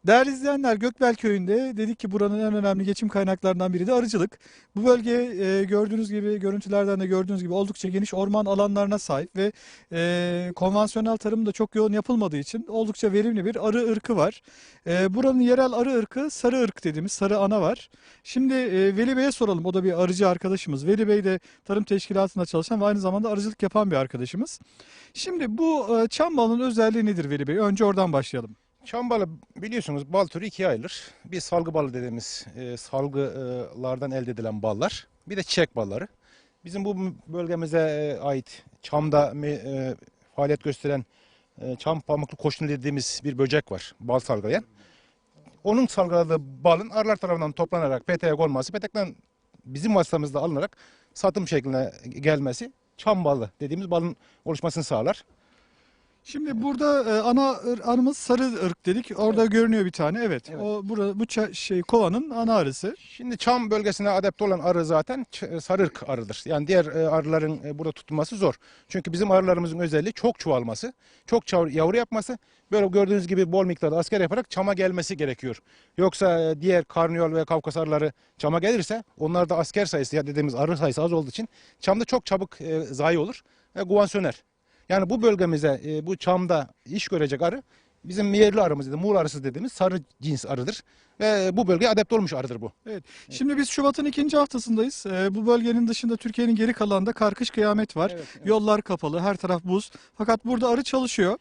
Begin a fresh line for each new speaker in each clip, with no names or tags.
Değerli izleyenler, Gökbel Köyü'nde dedik ki buranın en önemli geçim kaynaklarından biri de arıcılık. Bu bölge gördüğünüz gibi, görüntülerden de gördüğünüz gibi oldukça geniş orman alanlarına sahip ve konvansiyonel tarım da çok yoğun yapılmadığı için oldukça verimli bir arı ırkı var. Buranın yerel arı ırkı sarı ırk dediğimiz sarı ana var. Şimdi Veli Bey'e soralım, o da bir arıcı arkadaşımız. Veli Bey de tarım teşkilatında çalışan ve aynı zamanda arıcılık yapan bir arkadaşımız. Şimdi bu çam balının özelliği nedir Veli Bey? Önce oradan başlayalım.
Çam balı biliyorsunuz bal türü ikiye ayrılır. Bir salgı balı dediğimiz salgılardan elde edilen ballar. Bir de çiçek balları. Bizim bu bölgemize ait çamda faaliyet gösteren çam pamuklu koşunu dediğimiz bir böcek var. Bal salgılayan. Onun salgıladığı balın arılar tarafından toplanarak peteğe konması, petekten bizim vasıtamızda alınarak satım şekline gelmesi çam balı dediğimiz balın oluşmasını sağlar.
Şimdi burada arımız sarı ırk dedik. Orada
Evet.
görünüyor bir tane. Evet.
Evet.
O burada kovanın ana arısı.
Şimdi çam bölgesine adapte olan arı zaten sarırk arıdır. Yani diğer arıların burada tutulması zor. Çünkü bizim arılarımızın özelliği çok çoğalması, çok yavru yapması. Böyle gördüğünüz gibi bol miktarda asker yaparak çama gelmesi gerekiyor. Yoksa diğer karnıyol ve Kafkas arıları çama gelirse onlarda asker sayısı ya dediğimiz arı sayısı az olduğu için çamda çok çabuk zayi olur ve guvan söner. Yani bu bölgemize bu çamda iş görecek arı bizim yerli arımız dedi, Muğla arısı dediğimiz sarı cins arıdır. Ve bu bölgeye adapte olmuş arıdır bu.
Evet. Şimdi biz Şubat'ın ikinci haftasındayız. Bu bölgenin dışında Türkiye'nin geri kalanında karkış kıyamet var.
Evet, evet.
Yollar kapalı, her taraf buz. Fakat burada arı çalışıyor.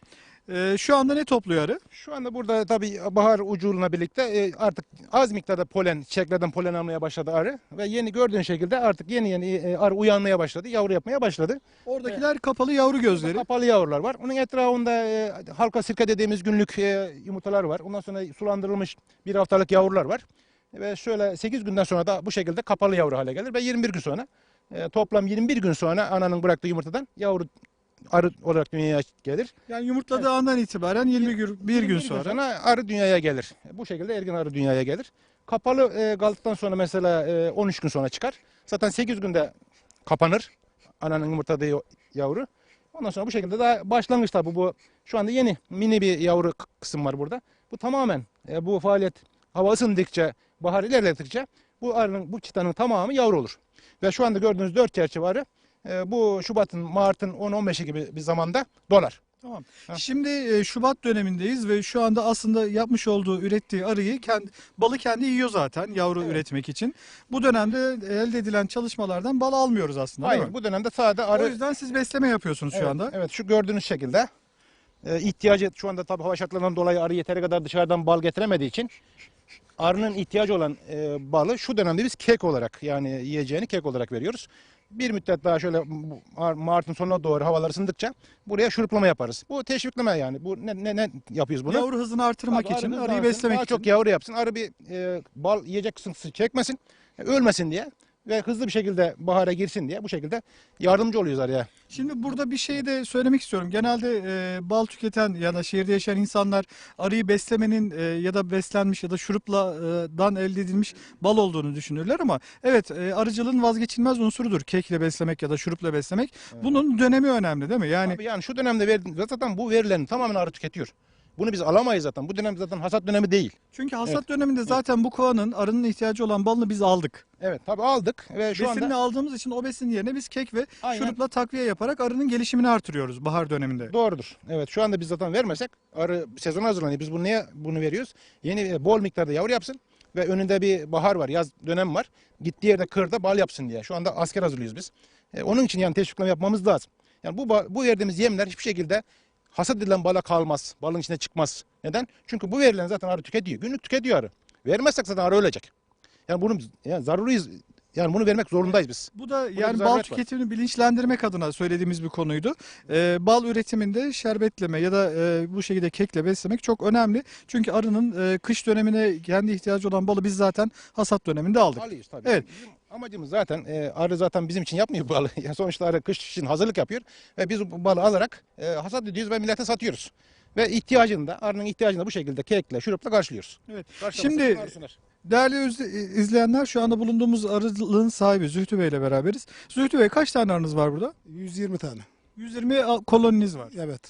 Şu anda ne topluyor arı?
Şu anda burada tabii bahar uculuğuna birlikte artık az miktarda polen, çiçeklerden polen almaya başladı arı. Ve yeni gördüğün şekilde artık yeni arı uyanmaya başladı, yavru yapmaya başladı.
Oradakiler kapalı yavru gözleri.
Kapalı yavrular var. Onun etrafında halka sirke dediğimiz günlük yumurtalar var. Ondan sonra sulandırılmış bir haftalık yavrular var. Ve şöyle 8 günden sonra da bu şekilde kapalı yavru hale gelir. Ve 21 gün sonra toplam 21 gün sonra ananın bıraktığı yumurtadan yavru arı olarak dünyaya gelir.
Yani yumurtladığı andan itibaren 20 gün, bir
21
gün sonra.
arı dünyaya gelir. Bu şekilde ergin arı dünyaya gelir. Kapalı kaldıktan sonra mesela 13 gün sonra çıkar. Zaten 8 günde kapanır ananın yumurtladığı yavru. Ondan sonra bu şekilde daha başlangıç tabi bu. Şu anda yeni mini bir yavru kısım var burada. Bu tamamen bu faaliyet hava ısındıkça, bahar ilerledikçe bu arının, bu çıtanın tamamı yavru olur. Ve şu anda gördüğünüz 4 çerçeve arı bu Şubat'ın, Mart'ın 10-15'i gibi bir zamanda dolar.
Tamam.
Ha.
Şimdi Şubat dönemindeyiz ve şu anda aslında yapmış olduğu, ürettiği arıyı balı kendi yiyor zaten yavru
Evet.
üretmek için. Bu dönemde elde edilen çalışmalardan bal almıyoruz aslında, değil
Hayır,
mi?
bu dönemde sadece arı.
O yüzden siz besleme yapıyorsunuz şu
Evet,
anda.
evet, şu gördüğünüz şekilde ihtiyacı şu anda tabii hava şartlarından dolayı arı yeteri kadar dışarıdan bal getiremediği için arının ihtiyacı olan balı şu dönemde biz kek olarak yani yiyeceğini kek olarak veriyoruz. Bir müddet daha şöyle Mart'ın sonuna doğru havalar ısındıkça buraya şuruplama yaparız. Bu teşvikleme yani. Bu ne yapıyoruz bunu?
Yavru hızını artırmak
Tabii
için,
arı
arıyı
hızlansın,
beslemek
daha
için.
çok yavru yapsın. Arı bir bal yiyecek sıkıntısı çekmesin, ölmesin diye ve hızlı bir şekilde bahara girsin diye bu şekilde yardımcı oluyoruz arıya.
Şimdi burada bir şey de söylemek istiyorum. Genelde bal tüketen ya da şehirde yaşayan insanlar arıyı beslemenin ya da beslenmiş ya da şurupla elde edilmiş bal olduğunu düşünürler ama evet, arıcılığın vazgeçilmez unsurudur. Kekle beslemek ya da şurupla beslemek. Bunun dönemi önemli, değil mi? Yani
Tabii yani şu dönemde zaten bu verilerin tamamen arı tüketiyor. Bunu biz alamayız zaten. Bu dönem zaten hasat dönemi değil.
çünkü hasat
Evet.
döneminde zaten bu kovanın arının ihtiyacı olan balını biz aldık.
Evet tabii aldık ve şu
Besinini
anda
aldığımız için o besin yerine biz kek ve
aynen
şurupla takviye yaparak arının gelişimini artırıyoruz bahar döneminde.
doğrudur. Evet şu anda biz zaten vermesek arı sezona hazırlanıyor. Biz bunu niye bunu veriyoruz? Yeni bol miktarda yavru yapsın ve önünde bir bahar var, yaz dönemi var. Gittiği yerde kırda bal yapsın diye. Şu anda asker hazırlıyoruz biz. Onun için yani teşvikleme yapmamız lazım. Yani bu verdiğimiz yemler hiçbir şekilde hasat edilen bala kalmaz. Balın içine çıkmaz. Neden? Çünkü bu verilen zaten arı tüketiyor. Günlük tüketiyor arı. Vermezsek zaten arı ölecek. Yani bunu yani zaruriyiz. Yani bunu vermek zorundayız biz.
Bu da
bir
yani bal
zaruret var.
tüketimini bilinçlendirmek adına söylediğimiz bir konuydu. Bal üretiminde şerbetleme ya da bu şekilde kekle beslemek çok önemli. Çünkü arının kış dönemine kendi ihtiyacı olan balı biz zaten hasat döneminde aldık.
Alıyoruz tabii.
Evet.
Bizim amacımız zaten arı zaten bizim için yapmıyor bu balı. Yani sonuçta arı kış için hazırlık yapıyor ve biz bu balı alarak hasat ediyoruz ve millete satıyoruz. Ve arının ihtiyacını da bu şekilde kekle, şurupla karşılıyoruz.
Evet.
Karşılamazsak
Şimdi
arı söner.
değerli izleyenler, şu anda bulunduğumuz arılığın sahibi Zühtü Bey ile beraberiz. Zühtü Bey, kaç tane arınız var burada?
120 tane.
120 koloniniz var.
Evet.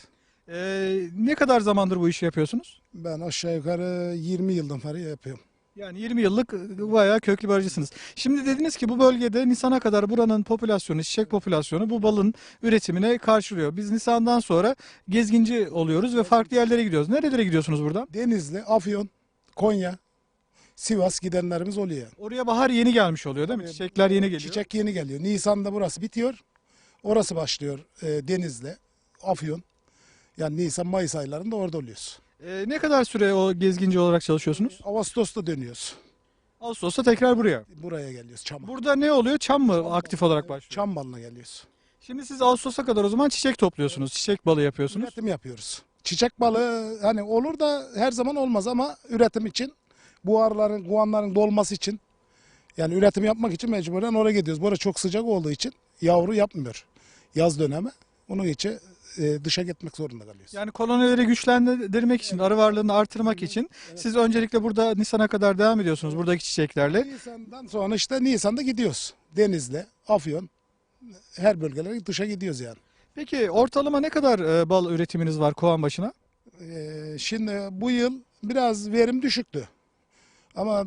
Ne kadar zamandır bu işi yapıyorsunuz?
Ben aşağı yukarı 20 yıldan beri yapıyorum.
Yani 20 yıllık bayağı köklü bir arıcısınız. Şimdi dediniz ki bu bölgede Nisan'a kadar buranın popülasyonu, çiçek popülasyonu bu balın üretimine karşılıyor. Biz Nisan'dan sonra gezginci oluyoruz ve farklı yerlere gidiyoruz. Nerelere gidiyorsunuz buradan?
Denizli, Afyon, Konya, Sivas gidenlerimiz oluyor yani.
Oraya bahar yeni gelmiş oluyor değil mi?
Tabii,
Çiçekler yeni geliyor.
Çiçek yeni geliyor. Nisan'da burası bitiyor. Orası başlıyor Denizli, Afyon. Yani Nisan-Mayıs aylarında orada oluyoruz.
Ne kadar süre o gezginci olarak çalışıyorsunuz?
Ağustos'ta dönüyoruz.
Ağustos'ta tekrar buraya.
Buraya geliyoruz Çam'a.
Burada ne oluyor? Çam mı aktif olarak başlıyor?
Çam balına geliyoruz.
Şimdi siz Ağustos'a kadar o zaman çiçek topluyorsunuz. Çiçek balı yapıyorsunuz.
Üretim yapıyoruz. Çiçek balığı hani olur da her zaman olmaz ama üretim için bu arıların, guanların dolması için yani üretim yapmak için mecburen oraya gidiyoruz. Burada çok sıcak olduğu için yavru yapmıyor yaz dönemi. Onun için dışa gitmek zorunda kalıyoruz.
Yani kolonileri güçlendirmek için, arı varlığını artırmak için siz öncelikle burada Nisan'a kadar devam ediyorsunuz buradaki çiçeklerle.
Nisan'dan sonra işte Nisan'da gidiyoruz. Denizli, Afyon her bölgelere dışa gidiyoruz yani.
Peki ortalama ne kadar bal üretiminiz var kovan başına?
Şimdi bu yıl biraz verim düşüktü. Ama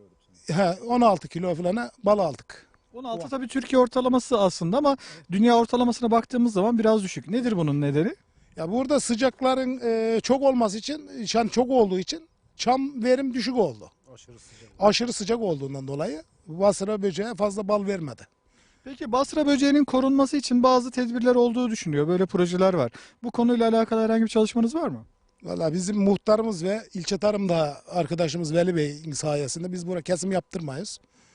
16 kilo falan bal aldık.
16 tabii Türkiye ortalaması aslında ama dünya ortalamasına baktığımız zaman biraz düşük. Nedir bunun nedeni?
Ya burada sıcakların çok olması için, yani çok olduğu için çam verim düşük oldu. Aşırı sıcak olduğundan dolayı basra böceğe fazla bal vermedi.
Peki Basra böceğinin korunması için bazı tedbirler olduğu düşünüyor. Böyle projeler var. Bu konuyla alakalı herhangi bir çalışmanız var mı?
Valla bizim muhtarımız ve ilçe tarımda arkadaşımız Veli Bey'in sayesinde biz burada kesim yaptırmayız.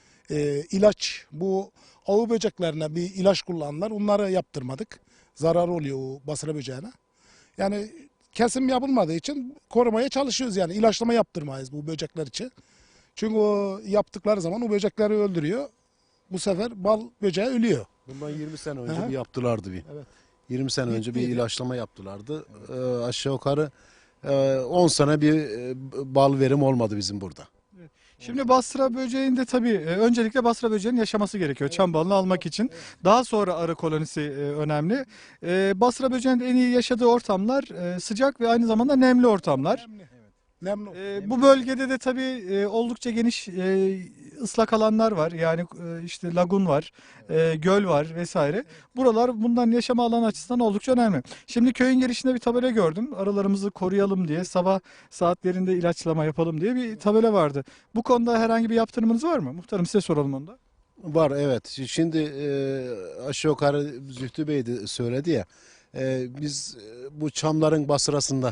İlaç bu avu böceklerine bir ilaç kullanırlar. Onları yaptırmadık. Zarar oluyor o basra böceğine. Yani kesim yapılmadığı için korumaya çalışıyoruz yani. İlaçlama yaptırmayız bu böcekler için. Çünkü o yaptıkları zaman o böcekleri öldürüyor. Bu sefer bal böceği ölüyor.
Bundan 20 sene önce
Aha.
bir yaptılardı bir.
Evet.
20 sene önce bir
Bittiydi.
ilaçlama yaptılardı. Aşağı yukarı 10 sene bir bal verim olmadı bizim burada.
Şimdi Basra böceğinde tabii öncelikle Basra böceğinin yaşaması gerekiyor çam balını almak için. Daha sonra arı kolonisi önemli. Basra böceğinin en iyi yaşadığı ortamlar sıcak ve aynı zamanda nemli ortamlar.
Nemli.
Bu bölgede de tabii oldukça geniş ıslak alanlar var. Yani işte lagun var, göl var vesaire. Buralar bundan yaşama alanı açısından oldukça önemli. Şimdi köyün girişinde bir tabela gördüm. Arılarımızı koruyalım diye, sabah saatlerinde ilaçlama yapalım diye bir tabela vardı. Bu konuda herhangi bir yaptırımınız var mı? Muhtarım size soralım onu da.
Var, evet. Şimdi aşağı yukarı Zühtü Bey de söyledi ya. Biz bu çamların basırasında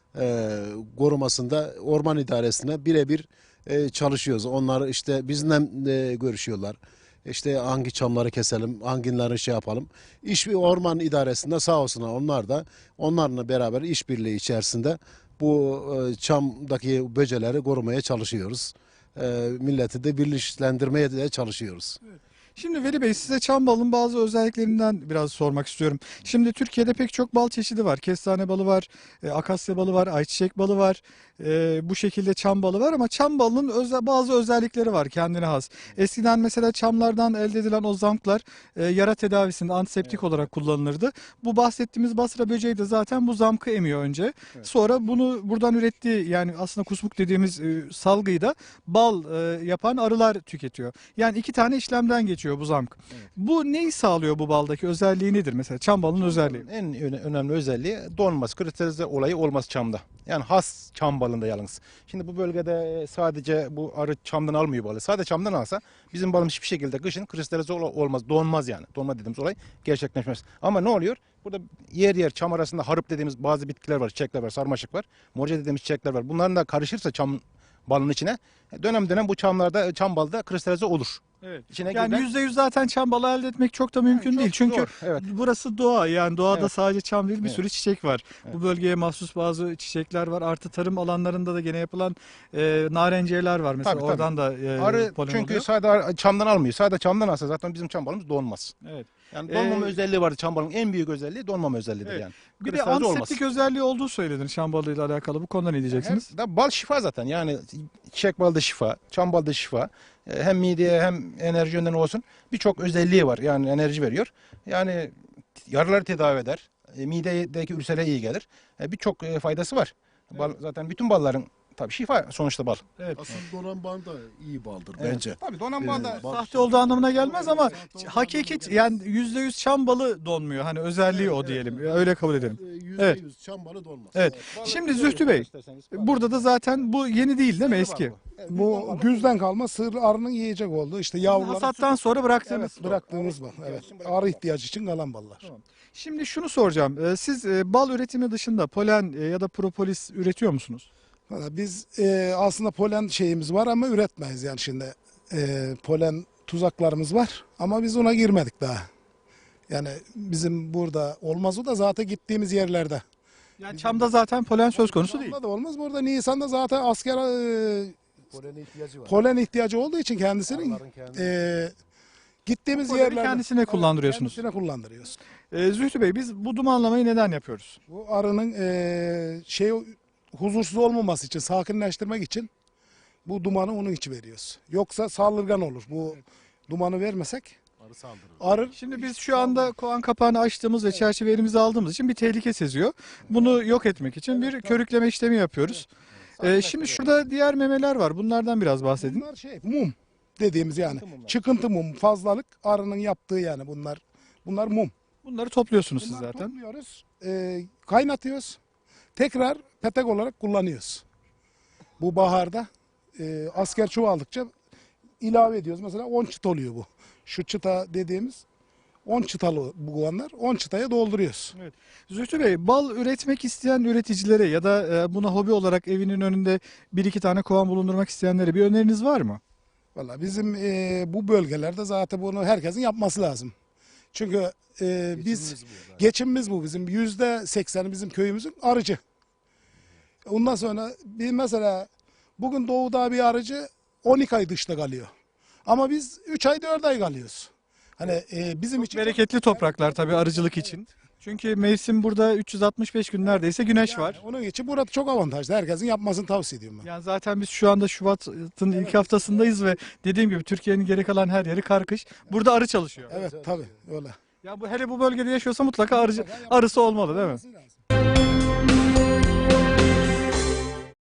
korumasında orman idaresine birebir çalışıyoruz. Onlar işte bizimle görüşüyorlar. İşte hangi çamları keselim, hangileri şey yapalım. Orman idaresinde sağ olsunlar, onlar da onlarla beraber işbirliği içerisinde bu çamdaki böceleri korumaya çalışıyoruz. Milleti de birleştirmeye de çalışıyoruz.
Şimdi Veli Bey size çam balının bazı özelliklerinden biraz sormak istiyorum. Şimdi Türkiye'de pek çok bal çeşidi var. Kestane balı var, akasya balı var, ayçiçek balı var. Bu şekilde çam balı var ama çam balının bazı özellikleri var kendine has. Eskiden mesela çamlardan elde edilen o zamklar yara tedavisinde antiseptik olarak kullanılırdı. Bu bahsettiğimiz Basra böceği de zaten bu zamkı emiyor önce. Sonra bunu buradan ürettiği yani aslında kusmuk dediğimiz salgıyı da bal yapan arılar tüketiyor. Yani iki tane işlemden geçiyor bu zamk. Bu neyi sağlıyor bu baldaki özelliği nedir mesela çam balının özelliği?
En önemli özelliği donması, kristalize olayı olmaz çamda. Yani has çam balında yalnız. Şimdi bu bölgede sadece bu arı çamdan almıyor balı. Sadece çamdan alsa bizim balımız hiçbir şekilde kışın kristalize olmaz. Donmaz yani. Donma dediğimiz olay gerçekleşmez. Ama ne oluyor? Burada yer yer çam arasında harıp dediğimiz bazı bitkiler var, çiçekler var, sarmaşık var. Morca dediğimiz çiçekler var. Bunların da karışırsa çam balının içine dönem dönem bu çamlarda, çam balda kristalize olur.
Evet.
İçine
Yani
giren-
%100 zaten çam balı elde etmek çok da mümkün
çok
değil. Çünkü
zor, evet.
burası doğa yani doğada
Evet.
sadece çam değil bir
Evet.
sürü çiçek var. Bu bölgeye mahsus bazı çiçekler var. Artı tarım alanlarında da gene yapılan narenciyeler var mesela
Tabii, tabii.
oradan da
Arı
polen
çünkü
oluyor.
sadece çamdan almıyor. Sadece çamdan alsa zaten bizim çam balımız donmaz.
Evet.
Yani donmama
Ee,
özelliği vardı çam balının. En büyük özelliği donmama özelliğidir
Evet.
yani.
Bir de
Kristalize olmaz.
antiseptik özelliği olduğu söylenir çam balıyla alakalı. Bu konuda ne diyeceksiniz?
Hem bal şifa zaten. Yani çiçek balda şifa, çam balda şifa. Hem mideye hem enerji yönden olsun birçok özelliği var. Yani enerji veriyor. Yani yaraları tedavi eder. midedeki ülsere iyi gelir. Birçok faydası var. Bal, zaten bütün balların tabii şifa sonuçta bal.
Evet.
Aslında donan bal da iyi baldır bence.
Tabii donan bal da
Bal-
Sahte olduğu anlamına gelmez ama hakiki yani %100 çam balı donmuyor. Hani özelliği o diyelim. Öyle kabul edelim. Evet.
%100 çam balı dolmaz.
Evet. Şimdi Zühtü Bey, burada da zaten bu yeni değil mi, eski?
Bu güzden kalma sığır arının yiyecek oldu. İşte yavruları
Hasattan sonra bıraktığınız.
evet, bıraktığımız bal. Evet. Arı ihtiyacı için kalan ballar.
Şimdi şunu soracağım. Siz bal üretimi dışında polen ya da propolis üretiyor musunuz?
Valla biz aslında polen şeyimiz var ama üretmeyiz yani şimdi. Polen tuzaklarımız var ama biz ona girmedik daha. Yani bizim burada olmaz, o da zaten gittiğimiz yerlerde.
Yani çamda zaten polen söz konusu değil.
Burada da olmaz. Burada Nisan'da zaten asker
Polene ihtiyacı var.
polen ihtiyacı olduğu için kendisinin
Arıların kendi-
gittiğimiz
Poleni
yerlerde
kendisine kullandırıyorsunuz.
Kendisine kullandırıyoruz.
Zühtü Bey, biz bu dumanlamayı neden yapıyoruz?
Bu arının huzursuz olmaması için, sakinleştirmek için bu dumanı onun için veriyoruz. Yoksa saldırgan olur. Bu dumanı vermesek
Arı saldırır.
arı
Şimdi biz şu anda kovan kapağını açtığımız ve çerçeve elimize aldığımız için bir tehlike seziyor. Bunu yok etmek için bir körükleme işlemi yapıyoruz. Şimdi şurada diğer memeler var. Bunlardan biraz bahsedin.
bunlar mum dediğimiz yani. Çıkıntı mum, fazlalık arının yaptığı yani bunlar. Bunlar mum.
Bunları topluyorsunuz siz
Bunları
zaten.
topluyoruz, kaynatıyoruz. Tekrar petek olarak kullanıyoruz. Bu baharda asker çoğaldıkça ilave ediyoruz. Mesela 10 çıt oluyor bu. Şu çıta dediğimiz 10 çıtalı bu kovanlar. 10 çıtaya dolduruyoruz.
Zühtü Bey, bal üretmek isteyen üreticilere ya da buna hobi olarak evinin önünde bir iki tane kovan bulundurmak isteyenlere bir öneriniz var mı?
Valla bizim bu bölgelerde zaten bunu herkesin yapması lazım. Çünkü biz
Geçimimiz bu zaten.
geçimimiz bu bizim. %80'i bizim köyümüzün arıcı. Ondan sonra bir mesela bugün doğuda bir arıcı 12 ay dışta kalıyor. Ama biz 3 ay 4 ay kalıyoruz. Hani bizim için
Bereketli topraklar tabii arıcılık için. Çünkü mevsim burada 365 gün neredeyse güneş var.
onun için burada çok avantajlı. Herkesin yapmasını tavsiye ediyorum ben.
Yani zaten biz şu anda Şubat'ın ilk haftasındayız ve dediğim gibi Türkiye'nin geri kalan her yeri karkış. Burada arı çalışıyor.
Evet tabii öyle.
Ya bu hele bu bölgede yaşıyorsa mutlaka arısı olmalı değil mi?
Olması lazım.